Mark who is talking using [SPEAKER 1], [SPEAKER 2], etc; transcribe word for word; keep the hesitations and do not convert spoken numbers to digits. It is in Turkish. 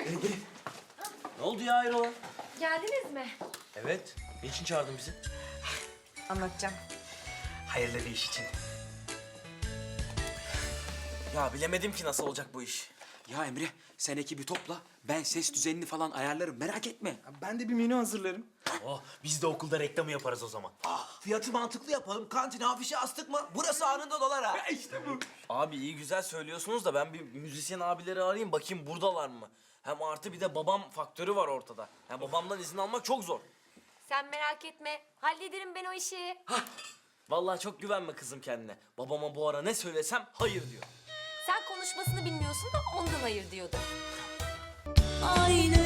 [SPEAKER 1] Gel gel. Ne oldu ya hayrola?
[SPEAKER 2] Geldiniz mi?
[SPEAKER 1] Evet. Niçin çağırdın bizi?
[SPEAKER 2] Anlatacağım.
[SPEAKER 1] Hayırlı bir iş için. Ya bilemedim ki nasıl olacak bu iş.
[SPEAKER 3] Ya Emre, sen ekibi topla. Ben ses düzenini falan ayarlarım. Merak etme.
[SPEAKER 4] Ben de bir menü hazırlarım.
[SPEAKER 1] Oh, biz de okulda reklamı yaparız o zaman.
[SPEAKER 5] Ah, fiyatı mantıklı yapalım. Kantine afişi astık mı? Burası anında dolar ha.
[SPEAKER 4] İşte bu.
[SPEAKER 1] Abi iyi güzel söylüyorsunuz da ben bir müzisyen abileri arayayım bakayım buradalar mı? Hem artı bir de babam faktörü var ortada. Yani babamdan izin almak çok zor.
[SPEAKER 2] Sen merak etme. Hallederim ben o işi.
[SPEAKER 1] Vallahi çok güvenme kızım kendine. Babama bu ara ne söylesem hayır diyor.
[SPEAKER 2] Sen konuşmasını bilmiyorsun da ondan hayır diyordum.
[SPEAKER 6] Aynı